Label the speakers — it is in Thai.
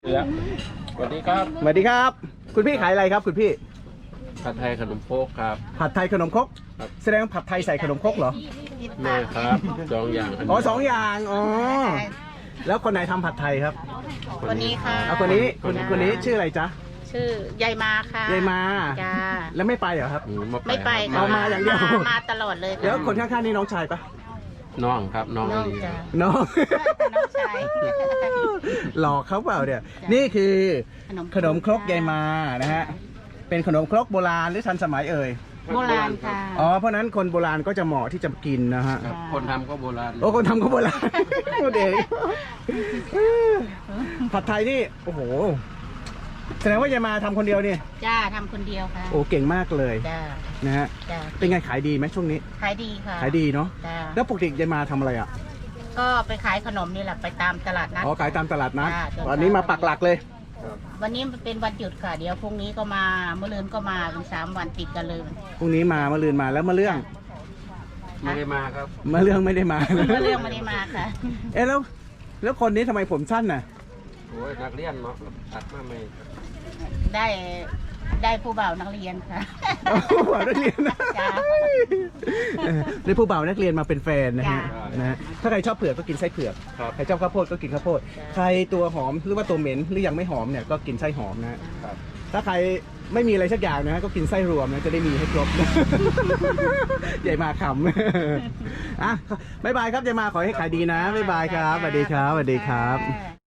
Speaker 1: สวัสดีครับ
Speaker 2: สวัสดีครับ คุณพี่ขายอะไรครับคุณพี่
Speaker 1: ผัดไทยขนมโคกครับ
Speaker 2: ผัดไทยขนมครก
Speaker 1: ครับ
Speaker 2: แสดงผัดไทยใส่ขนมครกเหรอ
Speaker 1: ไม่ครับสองอย่าง
Speaker 2: อ๋อสองอย่างอ๋อแล้วคนไหนทำผัดไทยครับ
Speaker 3: คนนี้ค่ะ
Speaker 2: เอาคนนี้คนนี้ชื่ออะไรจ๊ะ
Speaker 3: ชื่อยายมาค่ะ
Speaker 2: ยายมา
Speaker 3: จ้า
Speaker 2: แล้วไม่ไปเหรอครับ
Speaker 3: ไม่ไป
Speaker 2: เอา
Speaker 3: ค่ะ
Speaker 2: มาอย่างเดียว
Speaker 3: มาตลอดเลยค่ะ
Speaker 2: แล้วคนข้างๆนี่น้องชายปะ
Speaker 1: น้องครับน้อง
Speaker 3: น้อง
Speaker 1: ลี
Speaker 3: จ้า
Speaker 2: น้อง
Speaker 3: น้องชาย
Speaker 2: หลอกเขาเปล่าเนี่ย
Speaker 3: จ้ะ
Speaker 2: นี่คือ
Speaker 3: ข
Speaker 2: ข
Speaker 3: น
Speaker 2: น
Speaker 3: ม
Speaker 2: ม
Speaker 3: ค
Speaker 2: ค
Speaker 3: ร
Speaker 2: ร
Speaker 3: ก
Speaker 2: กยายมานะฮะเป็นขนมครกโบราณหรือทันสมัยเอ่ย
Speaker 3: โบราณค่ะ
Speaker 2: อ๋อเพราะฉะนั้นคนโบราณก็จะเหมาะที่จะกินนะฮะ
Speaker 1: ครับคนทำก็โบราณ
Speaker 2: โอ้คนทำก็โบราณ พูดเองผัดไทยนี่โอ้โหแสดงว่ายายมาทำคนเดียวนี่
Speaker 3: จ้าทำคนเดียวค่ะ
Speaker 2: โอ้เก่งมากเลย
Speaker 3: จ้า
Speaker 2: นะฮะ
Speaker 3: จ้า
Speaker 2: เป็นไงขายดีไหมช่วงนี้
Speaker 3: ขายดีค่ะ
Speaker 2: ขายดีเนาะ
Speaker 3: จ้า
Speaker 2: แล้วปกติยายมาทำอะไรอ่ะ
Speaker 3: ก็ไปขายขนมนี่แหละไปตามตลาดนัด
Speaker 2: อ๋อขายตามตลาดนัด
Speaker 3: จ้ะ
Speaker 2: ตอนนี้มาปักหลักเลย
Speaker 3: วันนี้เป็นวันหยุดค่ะ เดี๋ยวพรุ่งนี้ก็มาเมื่อลืนก็มาเป็น3 วันติดกันเลย
Speaker 2: พรุ่งนี้มาลืนมาแล้วมาเรื่อง
Speaker 1: ไม่ได้มาครับ
Speaker 2: มาเรื่องไม่ได้มา
Speaker 3: เมื่อเรื่องไม่ได้มาค่ะ
Speaker 2: เอ๊ะแล้วคนนี้ทำไมผมสั้นน่ะ
Speaker 1: โอ้ยนักเรียนเนาะตัดมาไม่
Speaker 3: ได้ผู้บ่าวนักเรียนค่ะ
Speaker 2: ผู้บ่าวนักเรียนนะ
Speaker 3: จ้ะ
Speaker 2: ได้ผู้บ่าวนักเรียนมาเป็นแฟนนะฮะ
Speaker 3: จ้ะ
Speaker 2: นะฮะถ้าใครชอบเผือกก็กินไส้เผือก
Speaker 1: ครับ
Speaker 2: ใครชอบข้าวโพดก็กินข้าวโพด
Speaker 3: จ้ะ
Speaker 2: ใครตัวหอมหรือว่าตัวเหม็นหรือยังไม่หอมเนี่ยก็กินไส้หอมนะฮะ
Speaker 1: ครับ
Speaker 2: ถ้าใครไม่มีอะไรสักอย่างนะฮะก็กินไส้รวมนะจะได้มีให้ครบ ใหญ่มาคำ อ่ะบ๊ายบายครับยายมาขอให้ขายดีนะบ๊ายบายครับสวัสดีครับสวัสดีครับ
Speaker 3: ค่ะ